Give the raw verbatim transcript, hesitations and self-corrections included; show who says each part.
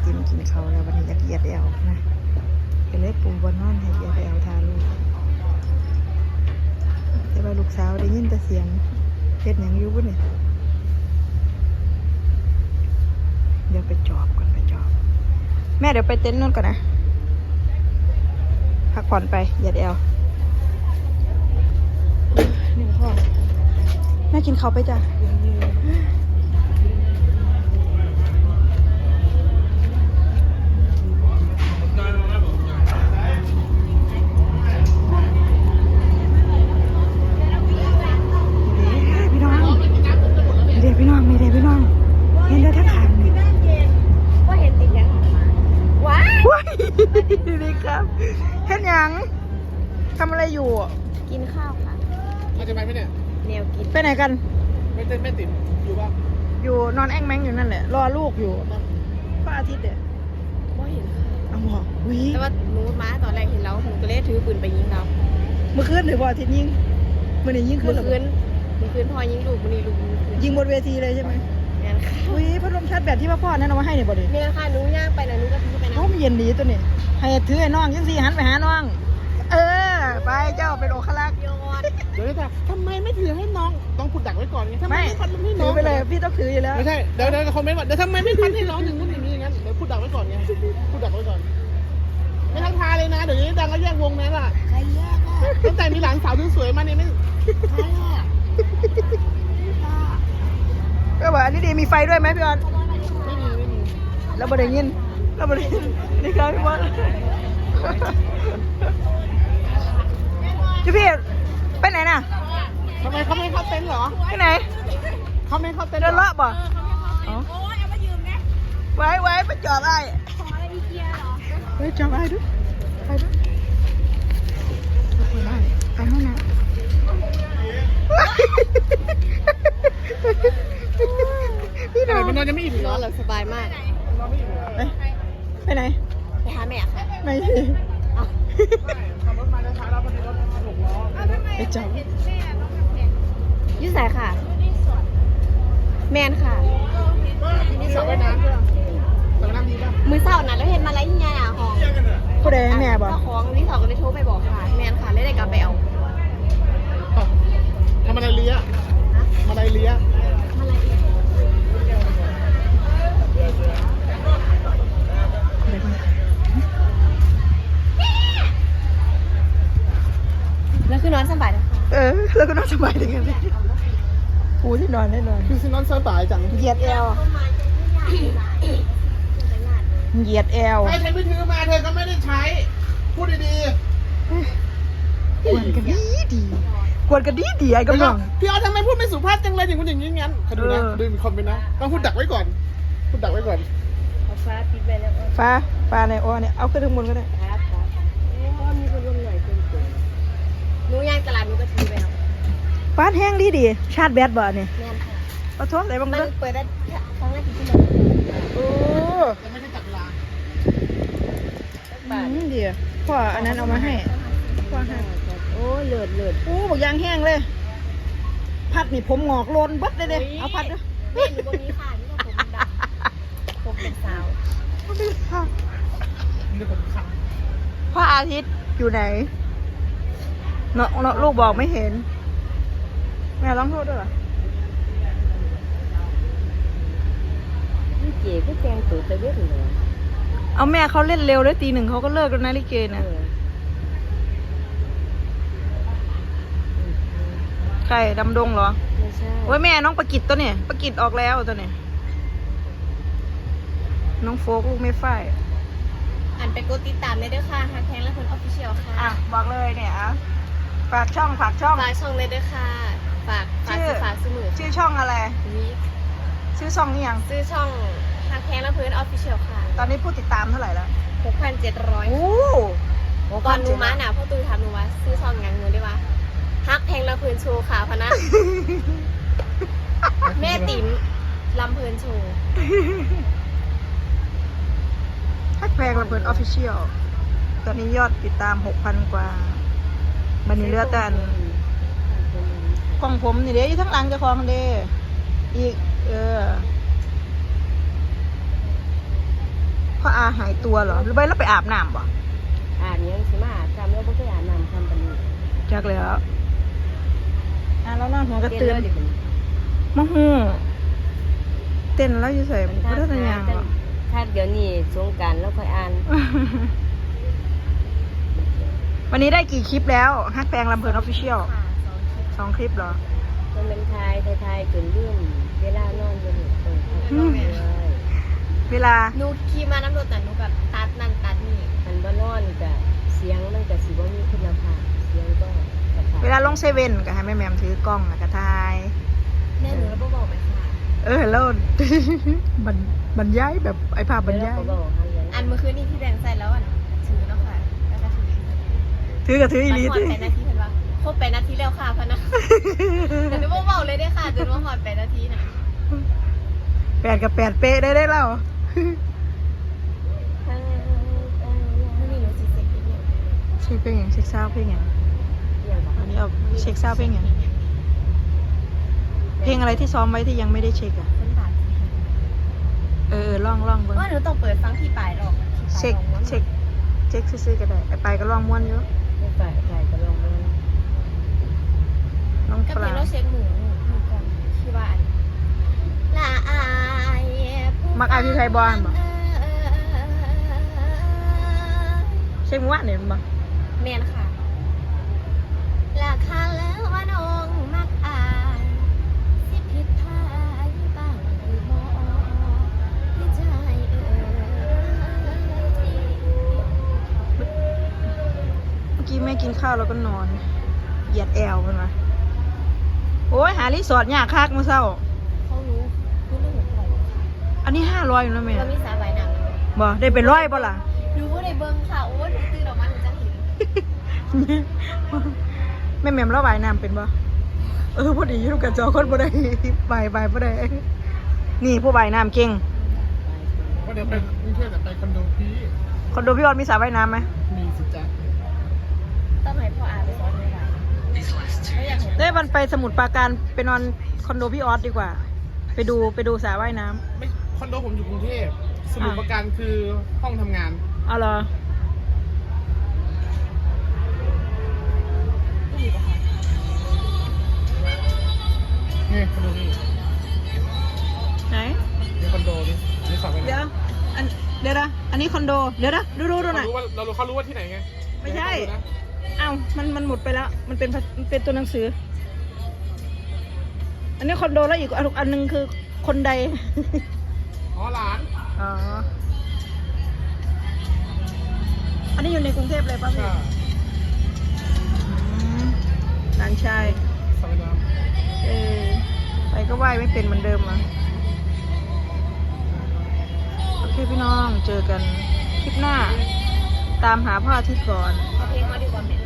Speaker 1: ติมกินเขาแล้ววันนี้อยากเหยียดแอวนะก็เลยปูบนนอนให้เหยียดแอวทาลูกแต่ว่าลูกสาวได้ยินแต่เสียงเฮ็ดหยังอยู่บ่เนี่ยเดี๋ยวไปจอบก่อนไปจอบแม่เดี๋ยวไปเต็นท์นู่นก่อนนะพักผ่อนไปเหยียดแอวนี่พ่อแม่กินเขาไปจ้ะพี่น้องไม่ได้พี่น้องเห็นได้ทั้งคันว่าเห็นติดยังว้ายว้ายดีครับเห็นยังทำอะไรอยู่
Speaker 2: กินข้าวค่ะ
Speaker 3: มาจะไปไหมเนี่ย
Speaker 2: แนวกิน
Speaker 1: ไปไหนกัน
Speaker 3: ไม่เต้นไม่ติดอยู่ป่ะ
Speaker 1: อยู่นอนแอ่งแมงอยู่นั่นแหละรอลูกอยู่พระอาทิตย์เด็ด
Speaker 2: ว่าเห็นค่ะ
Speaker 1: เอาหรอวิ
Speaker 2: แต่ว่าหนูม้าตอนแรกเห็นเราหนูก็เลยถือปืนไปยิงเรา
Speaker 1: เมื่อคืนหรือว่าอาทิตย์ยิงเมื่อไหร่ยิงคืน
Speaker 2: เมื่อคืนเมื่อคืนพอยิงลูกมันนี่ลูก
Speaker 1: ยิงบนเวทีเลยใช่ไหม
Speaker 2: งานค่ะ
Speaker 1: อุ้ยพัดลมชาร์จแบตที่พ่อนั่นเอามาให้เนี่ยบ่ดิ
Speaker 2: เนี่ยค่ะหนูย่างไปนะหนูก็ถือไปนะ
Speaker 1: โอ้มันเย็นดีตัวนี้ให้ถือไอ้น้องยังสี่หันไปหาน้องเออไปเจ้าเป็นโอคลักษ์
Speaker 2: ยอด
Speaker 3: เดี๋ยวจะทำไมไม่ถือให้น้องต้องพูดดักไว้ก่อนไงทำไมไม่พันให้น้อง
Speaker 1: ถือไปเลยพี่ต้องถืออยู่แล้ว
Speaker 3: ไม่ใช่เดี๋ยวเดี๋ยวคอมเมนต์ว่าเดี๋ยวทำไมไม่พันให้น้องอย่างนู้นอย่างนี้อย่างนั้นเดี๋ยวพูดดักไว้ก่อนไงพูดดักไว้ก่อนไม่ทักทายเลยนะเดี๋ยวนี้ดังก็แยกวงนั้นอ่ะ
Speaker 2: ใครแยกอ่ะ
Speaker 3: ตั้งแต่มีหลานสาวสวยๆมาเนี่ยไม่
Speaker 2: ใครอ่ะ
Speaker 1: ก็บอกอันนี้ดีมีไฟด้วยไหมพี่ออน
Speaker 3: ไม่มีไม่มี
Speaker 1: แล้วบ่ได้ยินแล้วบ่ได้ยินนี่ครับพี่บอลพี่พี่ไปไหนน่ะ
Speaker 3: ทำไมเขาไม่เข้าเต็นท์เหรอ
Speaker 1: ไปไหน
Speaker 3: เขาไม่เข้าเต็นท์
Speaker 1: เดินเลาะบ่
Speaker 2: โอ้ยเอามายืมไง
Speaker 1: ไว้ไว้ไปจอดไอ้
Speaker 2: ขออะไรอีเกียร์เหรอ
Speaker 1: ไปจอดไอ้ด้วยไปด้วยไปได้ไปห้องน้ำพี่น้อง
Speaker 3: มันนอนยังไม่อิ่ม
Speaker 2: นอนหลับสบายมาก
Speaker 3: นอนไม่อิ่ม
Speaker 1: ไปไปไหน
Speaker 2: ไปหาแม่ค่ะ
Speaker 1: ไม่สิ
Speaker 3: ขับรถมาช้าแล้วพอดีรถหกล้อ
Speaker 1: ไปจอด
Speaker 2: ยืดสายค่ะแมนค่ะ
Speaker 3: ที่นี่สระว่ายน้ำด้วยสระว่ายน้ำดีป่ะ
Speaker 2: มือเศร้านะแล้วเห็นมาแล้วยังไงอ่ะของ
Speaker 1: ผู้ใดแม่บอก
Speaker 2: เจ้าของรีสอร์ทก็เลยโทรไปบอกค่ะแมนค่ะเลยได้กลับไปเอา
Speaker 3: ทำอะไรเลี้ยทำอะไรเลี้ย
Speaker 2: มาอะไรอีกแล้วคือนอนสบายเลย
Speaker 1: เออแล้วก็นอนสบายดีกันเลยปูที่นอนได้นอน
Speaker 3: คือสินอนสบายจัง
Speaker 1: เหยียดแอลเหยียดแอล
Speaker 3: ใครฉันไม่ถือมาเธอก็ไม่ได้ใช้พูดดี
Speaker 1: ๆกวนกันดีดีกวนกันดีดีไอ้กำลัง
Speaker 3: พี่ออทำไมพูดไม่สุภาพจังเลยอย่างคนอย่างนี้งั้นเขาดูนะดูมีคอมเมนต์นะต้องพูดดักไว้ก่อนพูดดักไว้ก่อน
Speaker 2: ฟ้าปิดไปแล้ว
Speaker 1: ฟ้าฟ้าในอ้อเนี่ยเอาขึ้นข้างบนก็ได้
Speaker 2: ครับครับอ๋อมีคนลงหน่อยเกินเกินหนูย่างตลาดหนูก็ถือไปครับ
Speaker 1: ฟ้าแห้งดีดีชาร์จแบตบ่เนี่ย
Speaker 2: แม่นค่ะ
Speaker 1: ขอโทษอะไรบ้าง
Speaker 2: มันเปิดได้ครั้งแรกที่มัน
Speaker 1: โอ้
Speaker 3: จะไม่ได้จับเวลา
Speaker 1: อืมดีพ่ออันนั้นเอามาให้พ่อให้
Speaker 2: โอ้เลือดเลือด
Speaker 1: โอ้บอกยางแห้งเลยพัดนี่ผมงอกโลนบัดเลยเด้เอาพัดด้วย
Speaker 2: แม่หนูบ่มีค่ะนี่ก็ผมดำผมเป็นสาว
Speaker 1: พระอาทิตย์อยู่ไหนเนาะเนาะลูกบอกไม่เห็นแม่ร้องโทษด้วยเหรอ
Speaker 2: นี่เก๋ก็แกงตุ๋นตะเวทเลย
Speaker 1: เอาแม่เขาเล่นเร็วเลยตีหนึ่งเขาก็เลิกแล้วนะลิเกนะใครดำดงเหรอ
Speaker 2: ไม่ใช่
Speaker 1: โอ้ยแม่น้องประกิตตัวเนี่ยประกิตออกแล้วตัวเนี่ยน้องโฟกลูกไม่ฝ้าย
Speaker 2: อ่านไปกดติดตามได้ด้วยค่ะฮักแทงและคนออฟฟิเชียลค่ะ
Speaker 1: อ่ะบอกเลยเนี่ยอ่ะฝากช่องฝากช่อง
Speaker 2: ฝากช่องเลยด้วยค่ะฝากฝากฝากซื้อมือ
Speaker 1: ชื่อช่องอะไร
Speaker 2: วี
Speaker 1: ชื่อช่องนี่ยัง
Speaker 2: ซื้อช่องฮักแทงและเพื่อนออฟฟิเชียลค่ะ
Speaker 1: ตอนนี้ผู้ติดตามเท่าไหร่แล้ว
Speaker 2: หกพันเจ็ดร้อย
Speaker 1: โอ้
Speaker 2: ก่อนหนูมาหนาพ่อตูทำหนูว่าซื้อช่องยังหนูได้ว่าฮักแพงละเพื่อนโชว์ค่ะพนะแม่ติ๋มลำเพลินโชว์
Speaker 1: ฮักแพงลำเพลินออฟฟิเชียลตอนนี้ยอดติดตามหกพันกว่าบันนี้เลือดแต่ของผมนี่เด้ทั้งหลังจะคลองเด้อีกเออพหายตัวเหรอหรือไม่เราไปอาบน้ำบ่
Speaker 2: อาบยังสิมาอาบทำแล้วบ่เคยอาบน้ำทำปานนี้
Speaker 1: จักเลยแล้วอ่ะแล้วนอนหัวกระ
Speaker 2: เต้น
Speaker 1: เตือน
Speaker 2: เลยดิมัน
Speaker 1: มะฮู้เต้นแล้วอยู่ใส่
Speaker 2: มัน
Speaker 1: พุทธทยางเหรอ
Speaker 2: ถ้าเดี๋ยวนี้สงกรานต์แล้วค่อยอ่าน
Speaker 1: วันนี้ได้กี่คลิปแล้วฮักแพงลำเพลินออฟฟิเชียลสองคลิปเหรอ
Speaker 2: มันเป็นทายทายทายเกินเรื่องเวลานอนจะหนุกตรง
Speaker 1: อืม เวลา
Speaker 4: หนูขี่มาน้ำรถแต่หนูแบบตัดนั่นตัดนี่
Speaker 2: มันบ่นอนจะเสียงมันจะสิบ่มีคุณภาพเสียงก็กระทบ
Speaker 1: เวลาลงเซเว่นก็ให้แม่แมมถือกล้องแล้วก็ถ่าย
Speaker 4: แม่หนูแล้วบอกไปค่ะ
Speaker 1: เออแล้ว บรรบรรยายแบบไอ้ภาพบรรยาย
Speaker 2: แล้วก็บอกให้เรียน
Speaker 4: อันเมื่อคืนนี้ที่แดงใส่แล้วอ่ะถือเนาะค่ะแล้วก็ถือ
Speaker 1: ถือกับถืออี
Speaker 4: มัน
Speaker 1: หลี
Speaker 4: หอด
Speaker 1: ถือ
Speaker 4: ไปนาทีเห็นปะครบไปนาทีแล้วค่ะพะนะแต่หนูบอกเบาเลยได้ค่ะจนว่าหอดไปนาทีน่ะ
Speaker 1: แปดกับแปดเป๊ะได้ได้แล้ว
Speaker 4: ไม่มีหนูสิเซ็กอีกเนี่ย
Speaker 1: เช็คเพลงอย่างเช็คซาวด์เพลงอย่าง
Speaker 2: อย่างบอก
Speaker 1: อันนี้เอาเช็คซาวด์เพลงอย่างเพลงอะไรที่ซ้อมไว้ที่ยังไม่ได้เช็คอ่ะ
Speaker 4: เป็นบาท
Speaker 1: เออล่องล่องเบิ้ง
Speaker 4: ว่าหนูต้องเปิดฟังที่ปลายหรอก
Speaker 1: เช็คเช็คเช็คซื้อๆก็ได้ไอ้ไปก็ล่องม้วนอยู่
Speaker 2: ไม่ฝ่ายฝ่ายก็ลองมัน
Speaker 1: น้อง
Speaker 4: ก็
Speaker 1: ป
Speaker 4: เพล
Speaker 1: ลาง
Speaker 4: เราเช็คหมูหมูก่อนที่ว่าละอาย
Speaker 1: มักอาพี่ไทยบอลบ่เช็คม้วนเนี่ยมันบ่
Speaker 4: แมนค่ะราคาแล้วว่าน้องมักอายสิผิดพายบ้างหรือบ่ที่ใจเอ่ย
Speaker 1: เมื่อกี้แม่กินข้าวแล้วก็นอนเหยียดแอวมันมาโอ้ยหารีสอร์ทยากคักมื้อเช้า
Speaker 4: เขารู้รู้เรื่องหัวใจค่ะ
Speaker 1: อันนี้ห้าร้อยอยู่นะแม่
Speaker 4: เรามีสาใบหนัง
Speaker 1: บ่ได้เป็นร้อยบ่ล่ะ
Speaker 4: ดูว่าได้เบิ้งค่ะโอ้ยหนูตื่นออกมาหนูจะเห็น
Speaker 1: แม่แม่มเราว่ายน้ำเป็นบ่เออพอดีอยู่กับจอคนบ่ได้ไปไปบ่ได้นี่ผู้ว่ายน้ำเก่ง
Speaker 3: ว่าเดี๋ยวไปกรุงเทพแต่ไปคอนโดพี่
Speaker 1: คอนโดพี่ออดมีสระว่ายน้ำไหม
Speaker 3: มีสิจ๊ะ
Speaker 4: ต้องให้พ่ออาไปสอนไม่ได้ไม่อยากเห็น
Speaker 1: เด้วันไปสมุทรปราการไปนอนคอนโดพี่ออสดีกว่า ไปดูไปดูสระว่ายน้ำ
Speaker 3: ไม่คอนโดผมอยู่กรุงเทพสมุทรปราการคือห้องทำงาน
Speaker 1: เอาเหรอ
Speaker 3: นี่คอนโดนี่
Speaker 1: ไหน
Speaker 3: นี่คอนโดนี่นี่สอบไป
Speaker 1: เดี๋ยวอันเดี๋ยวนะอันนี้คอนโดเดี๋ยวนะดูดูดูหน่อย
Speaker 3: เขารู้ว่าเรารู้เขารู้ว่าที่ไหนไง
Speaker 1: ไม่ใช่
Speaker 3: เดี๋ยวให้เขาดูนะ
Speaker 1: อ้าวมันมันหมดไปแล้ว มันเป็นภามันเป็นตัวหนังสือ อันนี้คอนโดแล้วอีกอันอันหนึงคือคนใด
Speaker 3: อ๋อหลาน
Speaker 1: อ๋อ อันนี้อยู่ในกรุงเทพเลยป่ะพี่
Speaker 3: ใช่
Speaker 1: อืมหลานชาย
Speaker 3: สอบไปน้
Speaker 1: เออไปก็ไหว้ไม่เป็นเหมือนเดิมอ่ะโอเคพี่น้องเจอกันคลิปหน้า ตามหาพ่ออาทิตย์ก่อน
Speaker 4: เอาเพลงมาดีกว่าแม่